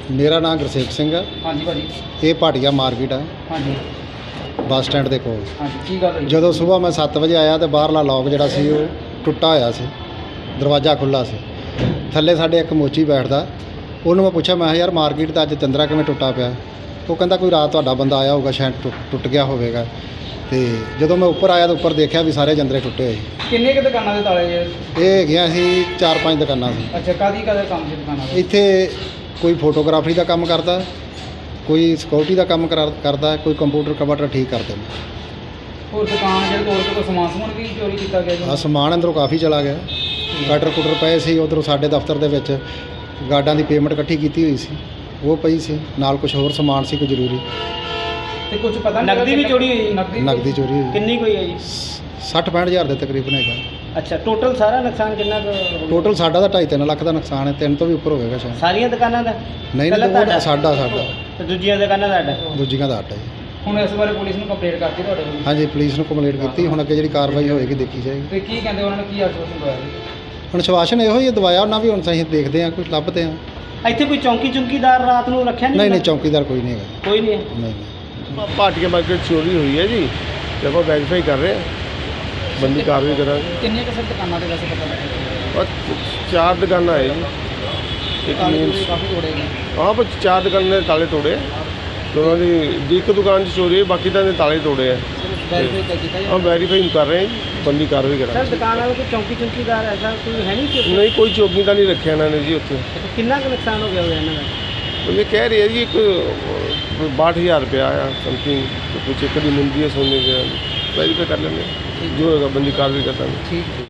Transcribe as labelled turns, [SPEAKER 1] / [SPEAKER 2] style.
[SPEAKER 1] ਮੇਰਾ ਨਾਮ ਗੁਰਸੇਵਕ ਸਿੰਘ ਹੈ।
[SPEAKER 2] ਹਾਂਜੀ ਭਾਜੀ।
[SPEAKER 1] ਇਹ ਭਾਟੀਆ ਮਾਰਕੀਟ ਹੈ
[SPEAKER 2] ਹਾਂਜੀ
[SPEAKER 1] ਬੱਸ ਸਟੈਂਡ ਦੇ ਕੋਲ।
[SPEAKER 2] ਹਾਂਜੀ ਕੀ ਗੱਲ ਹੋਈ?
[SPEAKER 1] ਜਦੋਂ ਸਵੇਰ ਮੈਂ 7 ਵਜੇ ਆਇਆ ਤੇ ਬਾਹਰਲਾ ਲੌਕ ਜਿਹੜਾ ਸੀ ਉਹ ਟੁੱਟਾ ਹੋਇਆ ਸੀ, ਦਰਵਾਜ਼ਾ ਖੁੱਲ੍ਹਾ ਸੀ। ਥੱਲੇ ਸਾਡੇ ਇੱਕ ਮੋਚੀ ਬੈਠਦਾ, ਉਹਨੂੰ ਮੈਂ ਪੁੱਛਿਆ, ਮੈਂ ਕਿਹਾ ਯਾਰ ਮਾਰਕੀਟ ਦਾ ਅੱਜ ਚੰਦਰਾ ਕਿਵੇਂ ਟੁੱਟਾ ਪਿਆ? ਉਹ ਕਹਿੰਦਾ ਕੋਈ ਰਾਤ ਤੁਹਾਡਾ ਬੰਦਾ ਆਇਆ ਹੋਊਗਾ, ਸ਼ਾਇਦ ਟੁੱਟ ਗਿਆ ਹੋਵੇਗਾ। ਤੇ ਜਦੋਂ ਮੈਂ ਉੱਪਰ ਆਇਆ ਤਾਂ ਉੱਪਰ ਦੇਖਿਆ ਵੀ ਸਾਰੇ ਜੰਦਰੇ ਟੁੱਟੇ ਹੋਏ।
[SPEAKER 2] ਕਿੰਨੇ ਕੁ ਦੁਕਾਨਾਂ ਦੇ ਤਾਲੇ ਜੇ?
[SPEAKER 1] ਇਹ ਹੈਗੀਆਂ ਸੀ 4-5 ਦੁਕਾਨਾਂ ਸੀ।
[SPEAKER 2] ਅੱਛਾ, ਕਾਹਦੀ ਕੰਮ ਸੀ ਦੁਕਾਨਾਂ ਦੇ?
[SPEAKER 1] ਇੱਥੇ ਕੋਈ ਫੋਟੋਗ੍ਰਾਫਰੀ ਦਾ ਕੰਮ ਕਰਦਾ, ਕੋਈ ਸਿਕਿਉਰਿਟੀ ਦਾ ਕੰਮ ਕਰਦਾ, ਕੋਈ ਕੰਪਿਊਟਰ ਕਵਟਰ ਠੀਕ ਕਰਦੇ ਨੇ।
[SPEAKER 2] ਹੋਰ ਦੁਕਾਨ ਜਿਹੜੇ ਤੋੜ ਕੇ ਕੋਈ ਸਮਾਨ ਵੀ ਚੋਰੀ ਕੀਤਾ ਗਿਆ ਜੀ?
[SPEAKER 1] ਆ ਸਮਾਨ ਅੰਦਰੋਂ ਕਾਫੀ ਚਲਾ ਗਿਆ। ਕਟਰ ਕੁਟਰ ਪਏ ਸੀ ਉੱਧਰੋਂ, ਸਾਡੇ ਦਫ਼ਤਰ ਦੇ ਵਿੱਚ ਗਾਰਡਾਂ ਦੀ ਪੇਮੈਂਟ ਇਕੱਠੀ ਕੀਤੀ ਹੋਈ ਸੀ, ਉਹ ਪਈ ਸੀ ਨਾਲ। ਕੁਝ ਹੋਰ ਸਮਾਨ ਸੀ ਕੋਈ ਜ਼ਰੂਰੀ।
[SPEAKER 2] ਤੇ ਕੁਝ ਪਤਾ ਨਹੀਂ, ਨਕਦੀ ਵੀ ਚੋਰੀ ਹੋਈ?
[SPEAKER 1] ਨਕਦੀ ਚੋਰੀ ਹੋਈ।
[SPEAKER 2] ਕਿੰਨੀ ਕੋਈ ਹੈ ਜੀ?
[SPEAKER 1] 60-65 ਹਜ਼ਾਰ ਦੇ ਤਕਰੀਬਨ ਹੈਗਾ।
[SPEAKER 2] ਅੱਛਾ, ਟੋਟਲ ਸਾਰਾ ਨੁਕਸਾਨ ਕਿੰਨਾ?
[SPEAKER 1] ਟੋਟਲ ਸਾਡਾ ਤਾਂ 2.5-3 ਲੱਖ ਦਾ ਨੁਕਸਾਨ ਹੈ, 3 ਤੋਂ ਵੀ ਉੱਪਰ ਹੋਵੇਗਾ ਸ਼ਾਇਦ।
[SPEAKER 2] ਸਾਰੀਆਂ ਦੁਕਾਨਾਂ ਦਾ?
[SPEAKER 1] ਨਹੀਂ ਨਹੀਂ, ਸਾਡਾ
[SPEAKER 2] ਤੇ ਦੂਜੀਆਂ ਦੁਕਾਨਾਂ ਦਾ?
[SPEAKER 1] ਦੂਜੀਆਂ ਦਾ 8 ਹੈ।
[SPEAKER 2] ਹੁਣ ਇਸ ਬਾਰੇ ਪੁਲਿਸ ਨੂੰ ਕੰਪਲੇਂਟ ਕਰਤੀ ਤੁਹਾਡੇ ਕੋਲ?
[SPEAKER 1] ਹਾਂਜੀ, ਪੁਲਿਸ ਨੂੰ ਕੰਪਲੇਂਟ ਕੀਤੀ। ਹੁਣ ਅੱਗੇ ਜਿਹੜੀ ਕਾਰਵਾਈ ਹੋਏਗੀ ਦੇਖੀ ਜਾਏਗੀ।
[SPEAKER 2] ਤੇ ਕੀ ਕਹਿੰਦੇ ਉਹਨਾਂ ਨੇ, ਕੀ ਆਸ਼ਵਾਸਨ ਦਵਾਇਆ ਜੀ?
[SPEAKER 1] ਹੁਣ ਸ਼ਵਾਸ਼ਨ ਇਹੋ ਹੀ ਦਵਾਇਆ ਉਹਨਾਂ ਵੀ। ਹੁਣ ਅਸੀਂ ਦੇਖਦੇ ਹਾਂ, ਕੁਝ ਲੱਭਦੇ ਹਾਂ।
[SPEAKER 2] ਇੱਥੇ ਕੋਈ ਚੌਂਕੀਦਾਰ ਰਾਤ ਨੂੰ ਰੱਖਿਆ ਨਹੀਂ?
[SPEAKER 1] ਨਹੀਂ, ਚੌਕੀਦਾਰ ਕੋਈ ਨਹੀਂ ਹੈਗਾ।
[SPEAKER 2] ਕੋਈ ਨਹੀਂ ਹੈ?
[SPEAKER 1] ਨਹੀਂ।
[SPEAKER 3] ਭਾਟੀਆ ਮਾਰਕੀਟ ਚੋਰੀ ਹੋਈ ਹੈ ਜੀ, ਤੇ ਆਪਾਂ ਵੈਰੀਫਾਈ ਕਰ ਰਹੇ ਹਾਂ, ਬੰਦੀ ਕਾਰਵਾਈ ਕਰਾਂਗੇ।
[SPEAKER 2] ਕਿੰਨੀਆਂ ਕੁ ਸਰ ਦੁਕਾਨਾਂ ਦੇ ਵੈਸੇ ਪਤਾ ਲੱਗਿਆ?
[SPEAKER 3] ਔਰ 4 ਦੁਕਾਨਾਂ ਹੈ ਜੀ। ਇੱਕ ਮੇਨ
[SPEAKER 2] ਕਾਫੀ ਤੋੜੇ ਗਏ।
[SPEAKER 3] ਹਾਂ, ਪਰ 4 ਦੁਕਾਨਾਂ ਦੇ ਤਾਲੇ ਤੋੜੇ। ਤੇ ਉਹਨਾਂ ਦੀ ਇੱਕ ਦੁਕਾਨ 'ਚ ਚੋਰੀ ਹੈ, ਬਾਕੀ ਤਾਂ ਦੇ ਤਾਲੇ ਤੋੜੇ ਆ।
[SPEAKER 2] ਵੈਰੀਫਾਈ ਕੀਤਾ ਜੀ?
[SPEAKER 3] ਹਾਂ, ਵੈਰੀਫਾਈ ਕਰ ਰਹੇ ਹਾਂ ਜੀ, ਬੰਦੀ ਕਾਰਵਾਈ
[SPEAKER 2] ਸਰ
[SPEAKER 3] ਕਰਾਂਗੇ।
[SPEAKER 2] ਦੁਕਾਨ ਵਾਲੇ ਕੋਈ ਚੌਂਕੀਦਾਰ ਐਸਾ ਕੋਈ ਹੈ ਨਹੀਂ ਸੀ?
[SPEAKER 3] ਨਹੀਂ, ਕੋਈ ਚੌਕੀ ਤਾਂ ਨਹੀਂ ਰੱਖਿਆ ਇਹਨਾਂ ਨੇ ਜੀ ਉੱਥੇ।
[SPEAKER 2] ਕਿੰਨਾ ਕੁ ਨੁਕਸਾਨ ਹੋ ਗਿਆ ਹੋਇਆ ਇਹਨਾਂ ਦਾ?
[SPEAKER 3] ਉਹ ਇਹ ਕਹਿ ਰਹੇ ਆ ਜੀ ਇੱਕ 62,000 ਰੁਪਇਆ ਆਇਆ ਸਮਥਿੰਗ। ਕੁਛ ਇੱਕ ਦੀ ਮੁੰਦੀ ਹੈ ਸੋਨੇ ਦੇ। ਵੈਰੀਫਾਈ ਕਰ ਲੈਂਦੇ, ਜੋ ਹੋਏਗਾ ਬੰਦੀ ਕਾਰਵਾਈ ਕਰਾਂਗੇ।
[SPEAKER 2] ਠੀਕ।